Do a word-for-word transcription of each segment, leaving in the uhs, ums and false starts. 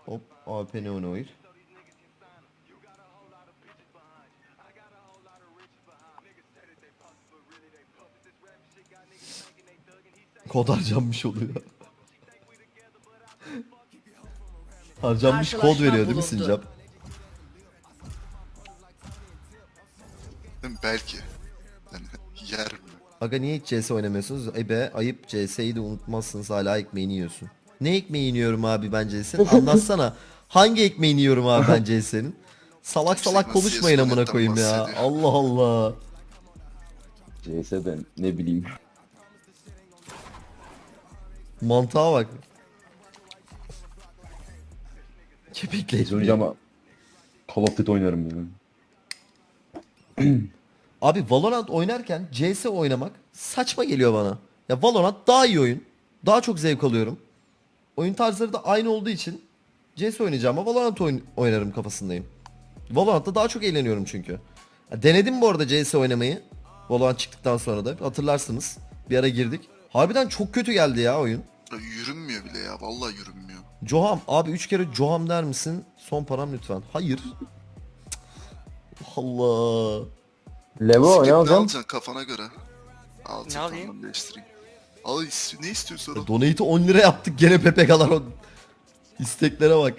Hop A W P ne oynuyor? Kod harcanmış oluyor. Harcanmış kod veriyor değil mi Sincap? Belki. Yani yer mi? Aga niye hiç C S oynamıyorsunuz? E be ayıp, C S'yi de unutmazsınız, hala ekmeğini yiyorsun. Ne ekmeğini yiyorum abi ben C S'nin? Anlatsana. Hangi ekmeğini yiyorum abi ben C S'nin? Salak salak Yüksek konuşmayın vasiyet amına sonetten koyayım ya. bahsediyor. Allah Allah. C S'den ne bileyim. Mantığa bak. Kepekli Biz önce ekmeği. ama Call of Duty oynarım yani. Abi Valorant oynarken C S oynamak saçma geliyor bana. Ya Valorant daha iyi oyun. Daha çok zevk alıyorum. Oyun tarzları da aynı olduğu için C S oynayacağım ama Valorant oyn- oynarım kafasındayım. Valorant'ta daha çok eğleniyorum çünkü. Ya denedim bu arada C S oynamayı. Valorant çıktıktan sonra da hatırlarsınız. Bir ara girdik. Harbiden çok kötü geldi ya oyun. Ya yürünmüyor bile ya. Vallahi yürünmüyor. Joham abi üç kere Joham der misin? Son param lütfen. Hayır. Allah. Levo Skip ne ne alacağım? alacaksın kafana göre? Al Ne alayım? tamam değiştireyim. Al is- ne istiyorsan al. Donate'i on lira yaptık gene P P K'lar o isteklere bak.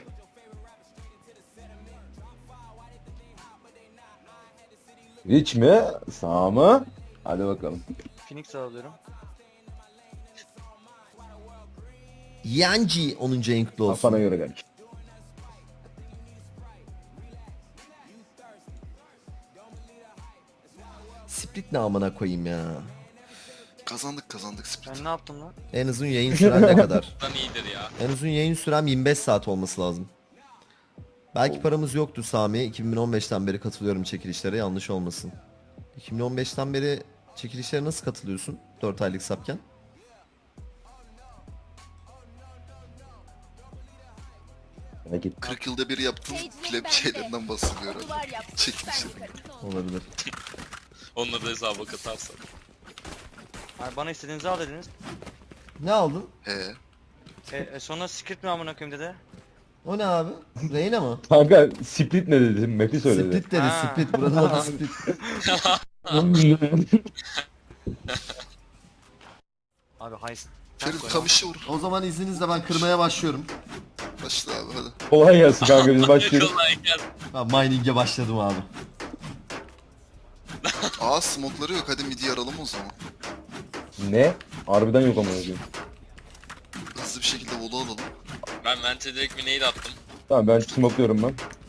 Rich mi? Sağ mı? Hadi bakalım. Phoenix alıyorum. Yanji onuncu en kutlu olsun. Kafana göre kardeşim. Split ne amına koyayım ya. Kazandık kazandık split. Ben ne yaptım lan? En uzun yayın süren ne kadar? Lan iyidir ya. En uzun yayın sürem yirmi beş saat olması lazım. Belki paramız yoktu Sami. iki bin on beşten beri katılıyorum çekilişlere, yanlış olmasın. iki bin on beşten beri çekilişlere nasıl katılıyorsun? dört aylık sapken. Merak etme. kırk yılda bir yaptığım pleb şeylerinden bahsediyor herhalde. Çekilişlerinden. Olabilir. Onları da hesaba katarsan. Abi bana istediğinizi al dediniz. Ne aldın? He. E, e sonra script mi amına koyayım dede? O ne abi? Reyna mı? Kanka split ne dedim? Map'i söyledi. Split dedi, Ha. split. Buranın adı split. Abi heist. Ferit kamışı vur. O zaman izninizle ben kırmaya başlıyorum. Başla abi hadi. Kolay gelsin kanka biz başlıyoruz. Kolay gelsin. Ben mining'e başladım abi. Aa smokları yok hadi midi yaralım o zaman. Ne? Harbiden yok ama yazıyor. Hızlı bir şekilde volu alalım. Ben vente direkt bir nade attım. Tamam ben smokluyorum ben.